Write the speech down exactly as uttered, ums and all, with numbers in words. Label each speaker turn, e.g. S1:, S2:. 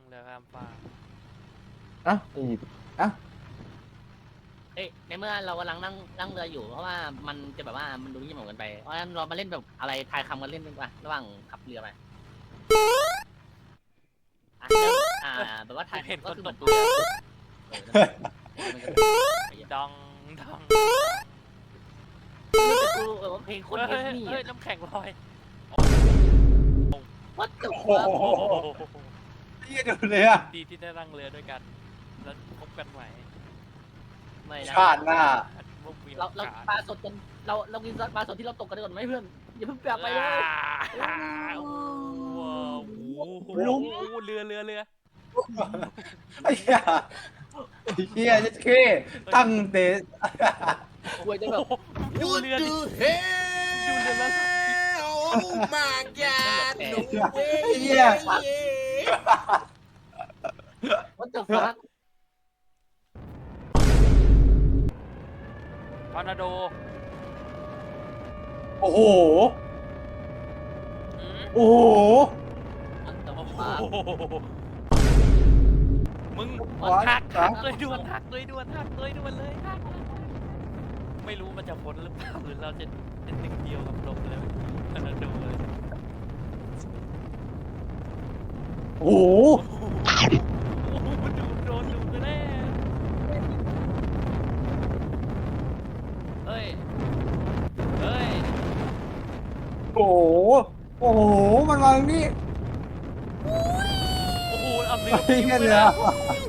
S1: เรือข้ามฟ้าก
S2: อ่ะอีกอ่ะ
S3: เอ้ยในเมื่อเรากำลังนั่งนั่งเรืออยู่เพราะว่ามันจะแบบว่ามันดูยิ่งเหมือนกันไปเพราะฉะนั้นเรามาเล่นแบบอะไรทายคำกันเล่นดีกว่าระหว่างขับเรือไปอ่ะเริ่มอ่าแบบว่าทาย
S1: เห็น
S3: ก็
S1: คน
S3: คือ
S1: ต
S3: เหมือก น
S1: เรือ
S3: เออนั่นแหละมันก็ไอ้เหี้ย
S1: ดองดอง
S3: แต่กูเออว่าเพลงคน
S1: เฮ้
S3: เฮ
S1: ย
S3: ฟวี่
S1: เฮ้ยน้ำแข็งลอย
S3: วัดตึก
S2: โอ้
S3: ว่า
S2: โห
S1: โอ้โห
S2: เฮียดูเลยอ่ะ
S1: ดีที่ได้นั่งเรือด้วยกันแล้วพบกันใหม่
S3: ไม่นะ
S2: ชาติหน้า
S1: มุกมีโอ
S3: เราเรา
S1: กาส
S3: ปลาสดกันเราเรากินปลาสดที่เราตกกันก่อนไหมเพื่อนอย่าเพิ่งกลับไปเลย
S1: ว้าวโอ้โห
S2: ลุง
S1: เรือเรือเรือ
S2: ไอ้เหี้ยไอ้เฮียจะเข้ตั้งเตะ
S3: กลัวจะแบบ
S1: ดูเรือดิ
S4: hell?
S1: ดูเรือแล้ว
S4: Oh my god! No
S2: ไอ้
S4: way!
S2: เหี้ย
S3: วัดตึกว่า
S1: ทอร์นาโด
S2: โอ้โห
S1: อืม
S2: โอ้โห
S3: วัดตึก
S1: โอ้โห
S3: ว่า
S1: มึง
S2: วัด
S1: หัก
S2: ครั
S1: หั
S2: บ
S1: กเลยด่วนหักเลยด่วนหักเลยด่วนเลยหักไม่รู้มันจะพ้นหรือเปล่าหรือเราจะเป็นหนึ่งเดียวกับลมเลยทอร์นาโดเลย
S2: โอ้โห
S1: โอ้โหดูโดนดูแน่เฮ้ย เฮ้ย
S2: โอ้โห โอ้โห มันมาตรงนี้
S1: โอ้โห เอาเรือ
S2: ไอ้เหี้ย
S1: ไป
S2: เรือ
S1: แล้ว